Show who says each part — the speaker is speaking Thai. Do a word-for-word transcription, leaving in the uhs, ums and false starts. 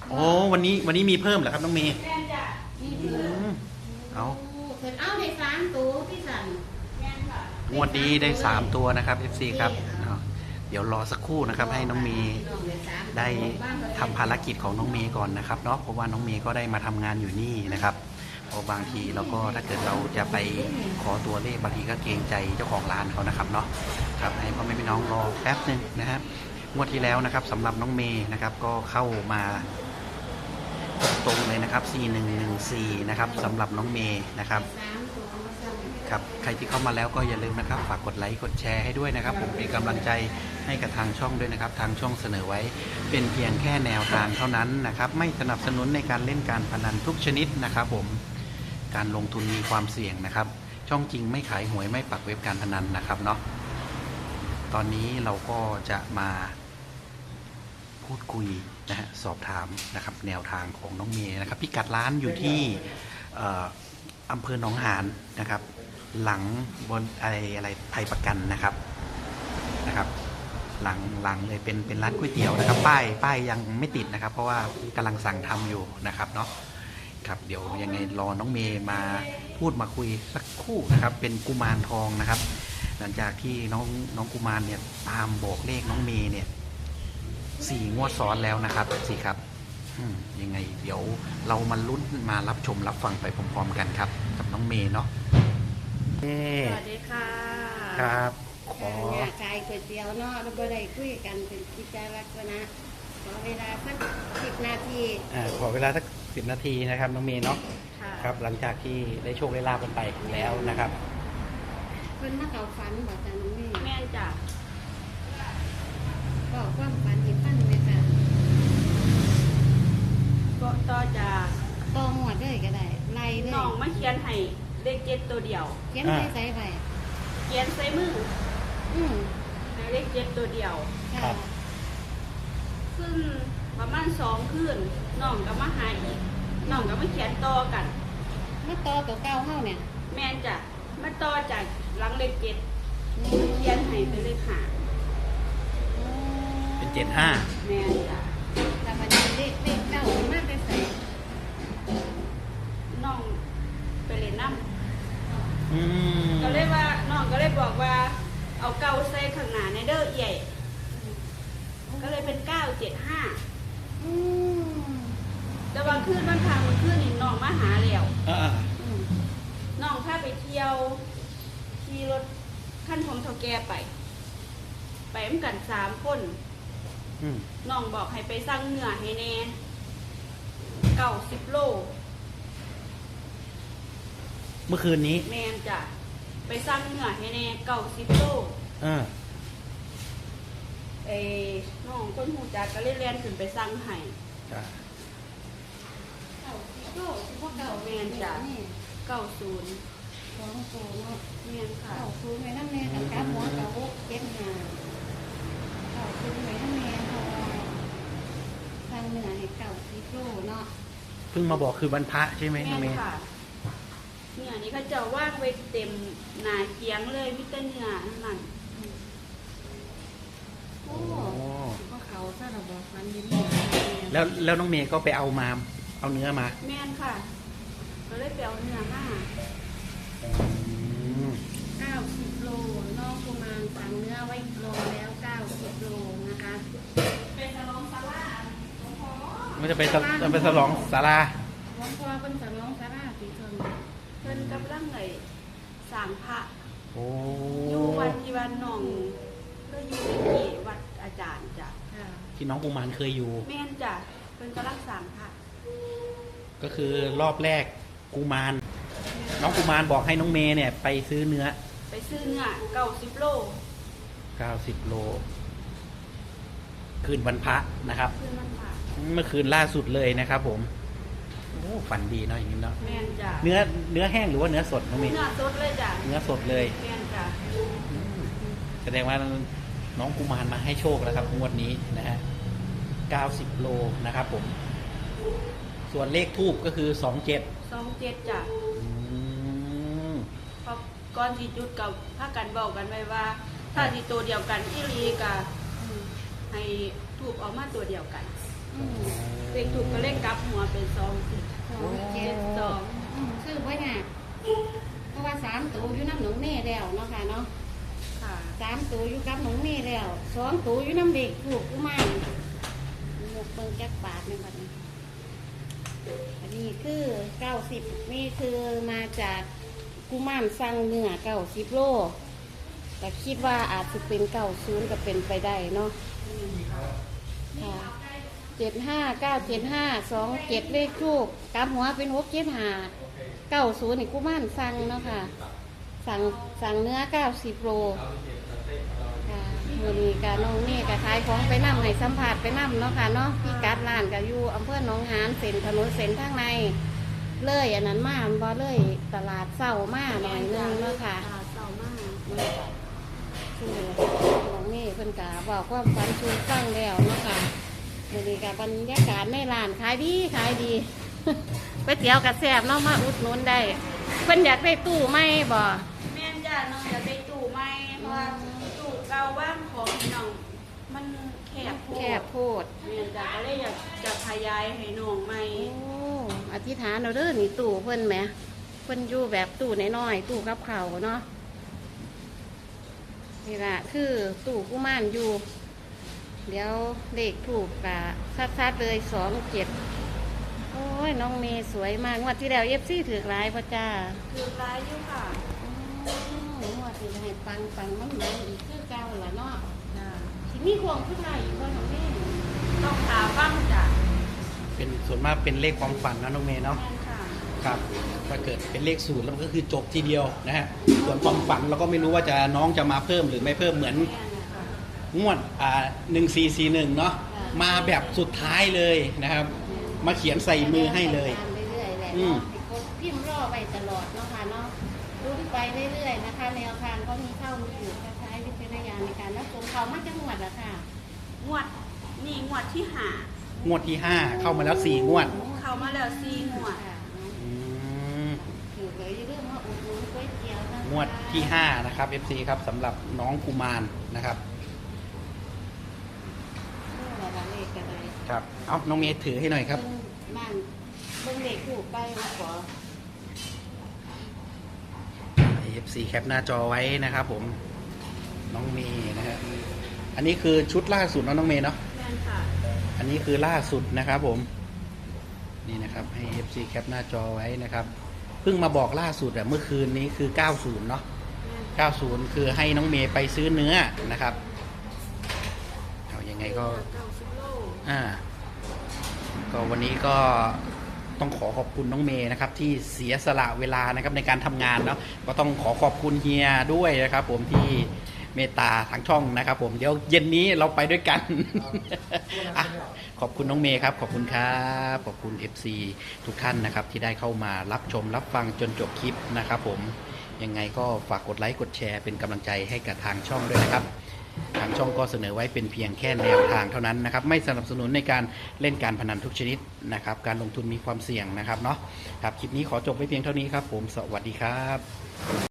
Speaker 1: โอ้วันนี้วันนี้มีเพิ่มเหรอครับน้องเมย์
Speaker 2: แม่นจ้ะมีเพื่อ
Speaker 1: อืมเอา
Speaker 3: เพิ่นเอาได้สามตัวพี่สัน
Speaker 2: แม่นค่ะ
Speaker 1: งวดนี้ได้สามตัวนะครับ เอฟ ซี ครับเอาเดี๋ยวรอสักครู่นะครับ ให้น้องเมย์ได้ทำภารกิจของน้องเมย์ก่อนนะครับเนาะเพราะว่าน้องเมย์ก็ได้มาทำงานอยู่นี่นะครับเพราะบางทีเราก็ถ้าเกิดเราจะไปขอตัวเลขบางทีก็เกรงใจเจ้าของร้านเขานะครับเนาะครับให้พ่อแม่พี่น้องรอแป๊บหนึ่งนะครับงวดที่แล้วนะครับสำหรับน้องเมย์นะครับก็เข้ามาตรงๆเลยนะครับสี่หนึ่งหนึ่งสี่นะครับสำหรับน้องเมย์นะครับ
Speaker 3: สามตัวมาสั่ง
Speaker 1: ครับใครที่เข้ามาแล้วก็อย่าลืมนะครับฝากกดไลค์กดแชร์ให้ด้วยนะครับผมเป็นกำลังใจให้กับทางช่องด้วยนะครับทางช่องเสนอไว้เป็นเพียงแค่แนวทางเท่านั้นนะครับไม่สนับสนุนในการเล่นการพนันทุกชนิดนะครับผมการลงทุนมีความเสี่ยงนะครับช่องจริงไม่ขายหวยไม่ปักเว็บการพนันนะครับเนาะตอนนี้เราก็จะมาพูดคุยนะฮะสอบถามนะครับแนวทางของน้องเมย์นะครับพิกัดร้านอยู่ที่เอ่ออำเภอหนองหานนะครับหลังบนอะไรอะไรไทยประกันนะครับนะครับหลังหลังเลยเป็นเป็นร้านก๋วยเตี๋ยวนะครับป้ายป้ายยังไม่ติดนะครับ เพราะว่ากำลังสั่งทำอยู่นะครับเนาะครับเดี๋ยวยังไงรอน้องเมย์มาพูดมาคุยสักครู่นะครับเป็นกุมารทองนะครับ หลังจากที่น้องน้องกุมารเนี่ยตามบอกเลขน้องเมย์เนี่ยสี่งวดซ้อนแล้วนะครับสี่ครับอืมยังไงเดี๋ยวเรามาลุ้นมารับชมรับฟังไปพร้อมๆกันครับกับน้องเมย์เนาะ
Speaker 2: สวัสดีค่ะ
Speaker 1: ครับขอ
Speaker 3: เนี่ยขายก๋วยเตี๋ยวเนาะเราบ่ได้คุยกันเป็นกิจลักษณะขอเวลาสักสิบนาที
Speaker 1: อ่าขอเวลาสักสิบนาทีนะครับน้องเมย์เนาะ
Speaker 2: ค่ะ
Speaker 1: ครับหลังจากที่ได้โชคได้ลาบกันไปแล้วนะครับ
Speaker 3: เพิ่นมาเข้าฝันบอกจ้ะน้องนี่
Speaker 2: แม่นจ้ะ
Speaker 3: บอกความฝันที่ฟันไหมค่ะ
Speaker 2: ก็ต่อจาก
Speaker 3: ตองหัวดเลยก็ได้ไล่เลย
Speaker 2: น้องมาเขียนให้เลขเจ็ดตัวเดียว
Speaker 3: เขียนใส่ใส่ไป
Speaker 2: เขียนใส่มือ
Speaker 3: อืม
Speaker 2: ในเลขเจ็ดตัวเดียว
Speaker 3: ค่ะ
Speaker 1: ครับ
Speaker 2: ซึ่งประมาณสองคืนน้องก็มาหาอีกน้องก็มาเขียนต่อกัน
Speaker 3: เมื่อต่อตัวเก่าเฮาเนี่ย
Speaker 2: แม่นจ้ะมาต่อจากหลังเลขเจ็ด
Speaker 3: อืม
Speaker 2: เขียนให้เป็นเลขห้า
Speaker 1: เป็นเจ็ดห้า
Speaker 2: แม่นจ้ะ
Speaker 3: แต่วันนี้เลขเลขเก้ามันมาแต่ใส่
Speaker 2: น้องไปเล่นน้ำ
Speaker 1: อืม
Speaker 2: ก็เลยว่าน้องก็เลยบอกว่าเอาเก้าใส่ข้างหน้าในเด้อใหญ่ก็เลยเป็นเก้าเจ็ดห้า
Speaker 3: อืม
Speaker 2: แต่ว่าคืนวันทางมันคืนนี่น้องมาหาแล้ว
Speaker 1: อ่า
Speaker 3: อืม
Speaker 2: น้องพาไปเที่ยวขี่รถขั้นของเท่าแก่ไป ไปเหมือนกันสามคน
Speaker 1: อืม
Speaker 2: น้องบอกให้ไปสั่งเนื้อให้แน่เก้าสิบโล
Speaker 1: เมื่อคืนนี้
Speaker 2: แมนจ้ะไปสั่งเนื้อให้แน่เก้าสิบโล
Speaker 1: อ่า
Speaker 2: เอ้น้องคนหูจักก็เลยเรียนขึ้นไปสั่งให้
Speaker 1: จ้ะ
Speaker 3: เก้าสิบโลสิบพวกเก้า
Speaker 2: แม่นจ้ะ
Speaker 3: นี่
Speaker 2: เก้าศูนย์
Speaker 3: สองตัวเนาะ
Speaker 2: แมนค่ะ
Speaker 3: เก้าศูนย์ไว้นั่นแม่กับกาหัวกับหกเจ็ดห้าเก้าศูนย์ไว้นั่นแม่เพราะว่าทางเหนือให้เก้าสิบโลเนาะ
Speaker 1: เพิ่งมาบอกคือวันพระใช่ไหม
Speaker 2: แม
Speaker 1: น้อง
Speaker 2: น
Speaker 1: เมย์
Speaker 2: ค่ะเนี่ยนี่เขาจะว่างไว้เต็มหนาเกียงเลยมิตรเนื้อนั่น
Speaker 3: โอ้
Speaker 1: โอ้
Speaker 3: ก็เขาถ้าเราบอกฟันยิน
Speaker 1: แล้วแล้วน้องเมย์ก็ไปเอามาเอาเนื้อมา
Speaker 2: แมนค่ะ ก็เลยไปเอาเนื้อมา
Speaker 1: อืม
Speaker 3: เก้าสิบโลนอกประมาณสั่งเนื้อไว้โลแล้วเก้าสิบโลนะคะ
Speaker 2: เป็นสลองซาร่า
Speaker 1: มันจะไปสจะไปสลองศาลา
Speaker 3: หลวงพ่อเป็นสำรองสาราสีชน
Speaker 2: เพิ่นกำลังไงสร้างพระ
Speaker 1: โอ้
Speaker 2: อยู่วัดที่วันหนองก็อยู่ที่วัดอาจารย์จ้ะ
Speaker 3: ค่ะ
Speaker 1: ที่น้องกุมารเคยอยู่
Speaker 2: แม่นจ้ะเพิ่นกำลังสร้างพระ
Speaker 1: ก็คือรอบแรกกุมาร น้องกุมารบอกให้น้องเมย์เนี่ยไปซื้อเนื้อ
Speaker 2: ไปซื้อเนื้อเก้าสิบโล
Speaker 1: เก้าสิบโล คืนวันพระนะครับ
Speaker 2: ขึ้นมันพระ
Speaker 1: เมื่อคืนล่าสุดเลยนะครับผมโอ้ฝันดีเนาะอย่างนี้เนาะ
Speaker 2: แม่นจ้ะ
Speaker 1: เนื้อเนื้อแห้งหรือว่าเนื้อสดน้องเมย์
Speaker 2: เนื้อสดเลยจ้ะ
Speaker 1: เนื้อสดเลย
Speaker 2: แม่นจ้ะ
Speaker 1: อืมแสดงว่าน้องกุมารมาให้โชคแล้วครับงวดนี้นะฮะเก้าสิบโลนะครับผม ส่วนเลขทูบก็คือสองเจ็ด
Speaker 2: สองเจ็ดจ้ะ
Speaker 1: อืม
Speaker 2: เพราะก่อนที่จุดกับพากันบอกกันไว้ว่า ถ้าที่ตัวเดียวกันที่รีกะให้ถูกออกมาตัวเดียวกัน
Speaker 1: อ
Speaker 3: อืม
Speaker 2: เลขถูกก็เลขกลับหัวเป็นสองสิบ
Speaker 3: สองเจ็ด
Speaker 2: สอง
Speaker 3: อืมซื้อไว้น่ะเพราะว่าสามตัวอยู่น้ำหนองเน่แล้วเนาะค่ะเนาะ
Speaker 2: ค่ะ
Speaker 3: สามตัวอยู่กับหนองเน่แล้วสองตัวอยู่น้ำเด็กถูกกูไม่หมกเบิ่งแก๊กปาดในบัดนี้อันนี้คือเก้าสิบนี่คือมาจากกุมารสั่งเนื้อเก้าสิบโลแต่คิดว่าอาจจะเป็นเก้าศูนย์ก็เป็นไปได้เนาะค่ะเจ็ดห้าเก้าเจ็ดห้าสองเจ็ดเลขทูกกลับหัวเป็นหกเจ็ดห้าเก้าศูนย์นี่กุมารสั่งเนาะค่ะ สั่งสั่งเนื้อเก้าสิบโลค่ะมือนี้กะน้องนี่กะขายของไปนำให้สัมผัสไปนำเนาะค่ะเนาะพี่กัดร้านกะอยู่อำเภอหนองหานเส้นถนนเส้นทางในเลยอันนั้นมาบ่เลยตลาดเศร้ามาหน่อยนึงเนาะค่ะ
Speaker 2: ตลาดเศร้ามาก
Speaker 3: คือน้องนี่เพิ่นกะบอกความฝันชูฟังแล้วเนาะค่ะมือนี้กะบรรยากาศในร้านขายดีขายดี ก๋วยเตี๋ยวกะแซ่บเนาะมาอุดหนุนได้เพิ่นอยากได้ตู้ไหมบ่
Speaker 2: แม่นจ้าน้องอยากได้ตู้ไหมเพราะว่าตู้เก่าบ้านของน้องมันแคบโพด
Speaker 3: แคบโพด
Speaker 2: แม่นจ้าก็เลยอยากจะขยายให้น้องใหม่
Speaker 3: โอ้อธิษฐานเราเด้อนี่ตู้เพิ่นแหมเพิ่นอยู่แบบตู้น้อยๆตู้กับเขาวเนาะนี่ละคือตู้กุมารอยู่ เดี๋ยวเลขถูกกะชัดๆเลยสองเจ็ดโอ้ยน้องเมย์สวยมากงวดที่แล้วเอฟซีถือร้ายพ่อจ้า
Speaker 2: คือร้ายอยู่ค่ะ
Speaker 3: อืมงวดที่ให้ปังปังมันเหมือนอีกคือเก่าละเนาะ
Speaker 2: จ้า
Speaker 3: ที่มีควงผู้ชายอีกคนของแม่
Speaker 2: ต้องหาฟังจ้ะ
Speaker 1: เป็นส่วนมากเป็นเลขความฝันนะน้องเมย์เนาะ
Speaker 2: แม่นค่ะ
Speaker 1: ครับถ้าเกิดเป็นเลขศูนย์แล้วมันก็คือจบทีเดียวนะฮะส่วนความฝันเราก็ไม่รู้ว่าจะน้องจะมาเพิ่มหรือไม่เพิ่มเหมือน
Speaker 2: แม่นค่ะ
Speaker 1: งวดอ่าหนึ่งสี่สี่หนึ่งเนาะมาแบบสุดท้ายเลยนะครับ มาเขียนใส่มือให้เลย
Speaker 3: ตามเรื่อยๆแหละ
Speaker 1: อืม
Speaker 3: เนาะให้กดพิมพ์รอไปตลอดเนาะค่ะเนาะรุ้นไปเรื่อยๆนะคะแนวทางก็มีเข้ามีอยู่ใช้วิจารณญาณในการรับชมเขามาจังหวัดละค่ะ
Speaker 2: งวดนี่งวดที่หาง
Speaker 1: วดที่ห้าเข้ามาแล้วสี่งวด
Speaker 2: เข้ามาแล้วสี่งวด
Speaker 3: ค่ะ
Speaker 1: อืม
Speaker 3: อยู่เลยเรื่องว่าอุดหนุนก๋วยเตี๋ยวนะคะ
Speaker 1: งวดที่ห้านะครับ เอฟ ซี ครับสำหรับน้องกุมารนะครับ
Speaker 3: เรื่องอะไรเลขอะไร
Speaker 1: ครับเอาน้องเมย์ถือให้หน่อยครับ
Speaker 3: เบิ่งบ้านเบิ่งเด็กถูกไปมาขอ
Speaker 1: เอฟ ซี แคปหน้าจอไว้นะครับผมน้องเมย์นะฮะอันนี้คือชุดล่าสุดเนอะน้องเมย์เนาะ
Speaker 2: แม่นค่ะ
Speaker 1: อันนี้คือล่าสุดนะครับผมนี่นะครับให้ เอฟ ซี แคปหน้าจอไว้นะครับเพิ่งมาบอกล่าสุดอะเมื่อคืนนี้คือเก้าสิบเนาะ
Speaker 2: แม่น
Speaker 1: เก้าสิบคือให้น้องเมย์ไปซื้อเนื้อนะครับเอายังไงก็
Speaker 2: เก้าสิบโล
Speaker 1: อ่าก็วันนี้ก็ต้องขอขอบคุณน้องเมย์นะครับ ที่เสียสละเวลานะครับในการทำงานเนาะก็ต้องขอขอบคุณเฮียด้วยนะครับ ผมที่เมตตาทางช่องนะครับ ผมเดี๋ยวเย็นนี้เราไปด้วยกัน อ่ะขอบคุณน้องเมย์ครับ ขอบคุณครับขอบคุณ เอฟ ซี ทุกท่านนะครับ ที่ได้เข้ามารับชมรับฟังจนจบคลิปนะครับ ผมยังไงก็ฝากกดไลค์กดแชร์เป็นกำลังใจให้กับทางช่องด้วยนะครับ ทางช่องก็เสนอไว้เป็นเพียงแค่แนวทางเท่านั้นนะครับ ไม่สนับสนุนในการเล่นการพนันทุกชนิดนะครับ การลงทุนมีความเสี่ยงนะครับเนาะครับคลิปนี้ขอจบไว้เพียงเท่านี้ครับ ผมสวัสดีครับ